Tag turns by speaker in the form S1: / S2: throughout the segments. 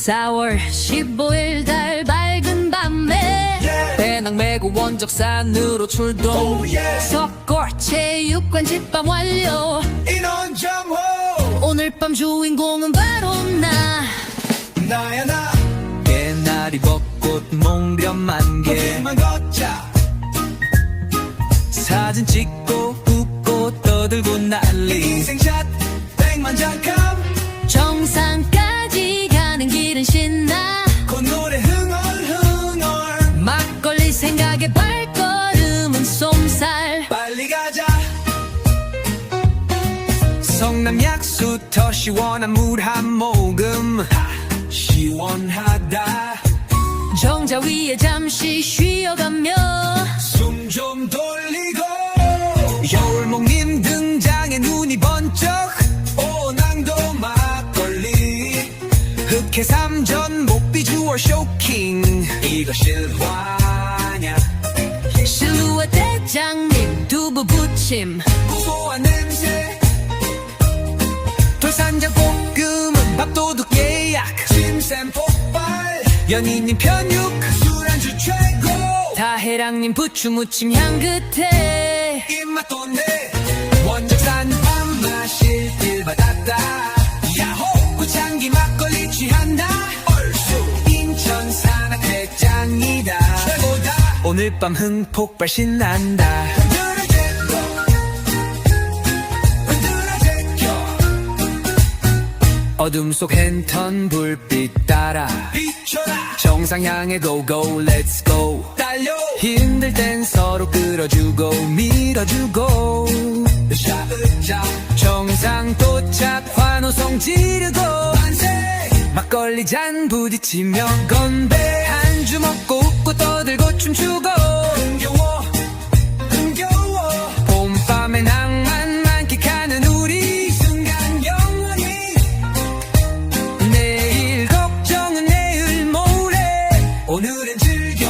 S1: 4월 15일 달 밝은 밤에
S2: 배낭 메고 원적산으로 출동
S1: 석골 체육관 집밥 완료.
S3: 인원 정호
S1: 오늘 밤 주인공은 바로
S3: 나야 나
S2: 개나리 벚꽃 몽련 만개
S3: 길만 걷자
S2: 사진 찍고 웃고 떠들고 난리
S3: 인생샷 100만 장캄
S1: 정상까지 가는 길은 신나.
S3: 그 노래 흥얼흥얼
S1: 막걸리 생각에 발걸음은 쏨살.
S3: 빨리 가자
S2: 성남 약수 더 시원한 물 한 모금
S3: 시원하다
S1: 정자 위에 잠시 쉬어가며
S3: 숨 좀 돌리고
S2: 여울목님 등장에 눈이 번쩍
S3: 오낭도 막걸리
S2: 흑해 삼전 목비주얼 쇼킹
S3: 이거 실화냐
S1: 실루엣 대장님 두부 부침
S3: 무고한 냄새
S2: 돌산장 볶음은 밥도둑 예약
S3: 침샘 폭발
S2: 연인님 편육
S3: 술안주 최고
S1: 다해랑님 부추 무침 향 끝에
S3: 입맛 돋네 원적산 밥 마실 길 받았다 야호 구창기 막걸리 취한다 얼쑤 인천 산악 대장이다 최고다
S2: 오늘 밤 흥폭발 신난다
S3: 흔들어 제껴 흔들어 제껴
S2: 어둠 속 랜턴 불빛 따라
S3: 비춰라
S2: 정상 향해 고고 렛츠 고
S3: 달려
S2: 힘들 땐 서로 끌어주고 밀어주고
S3: 샤으자
S2: 정상 도착 환호성 지르고
S3: 만세
S2: 막걸리 잔 부딪히며 건배 한 주 먹고 웃고 떠들고 춤추고
S3: 흥겨워 흥겨워
S2: 봄밤의 낭만 만끽하는 우리
S3: 이 순간 영원히
S2: 내일 걱정은 내일 모레
S3: 오늘은 즐겨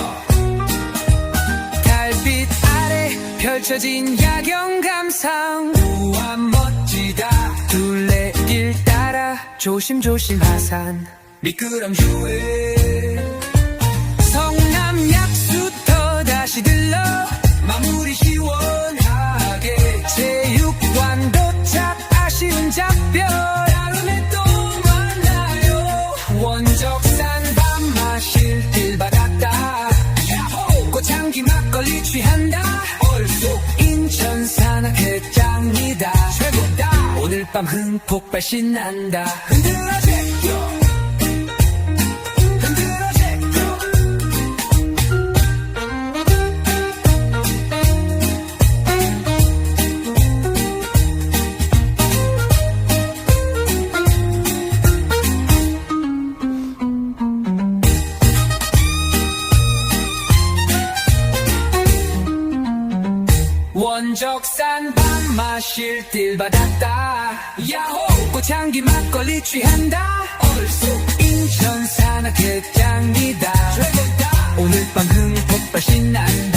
S2: 달빛 아래 펼쳐진 야경 감상
S3: 우와 멋지다
S2: 둘레길 따라 조심조심 하산
S3: 미끄럼주에
S2: 성남 약수터 다시 들러
S3: 마무리 시원하게
S2: 체육관 도착 아쉬운 작별
S3: 다음에 또 만나요
S2: 원적산 밥 마실 길 받았다
S3: 야호
S2: 꽃향기 막걸리 취한다
S3: 얼쑤
S2: 인천 산악 해장이다
S3: 최고다
S2: 오늘 밤 흥폭발 신난다
S3: 흔들어 제껴 흔들어 제껴
S2: 원적산 밥 마실 길 받았다
S3: 야호
S2: 꽃향기 막걸리 취한다
S3: 얼쑤
S2: 인천 산악 해장이다
S3: 최고다
S2: 오늘 밤 흥폭발 신난다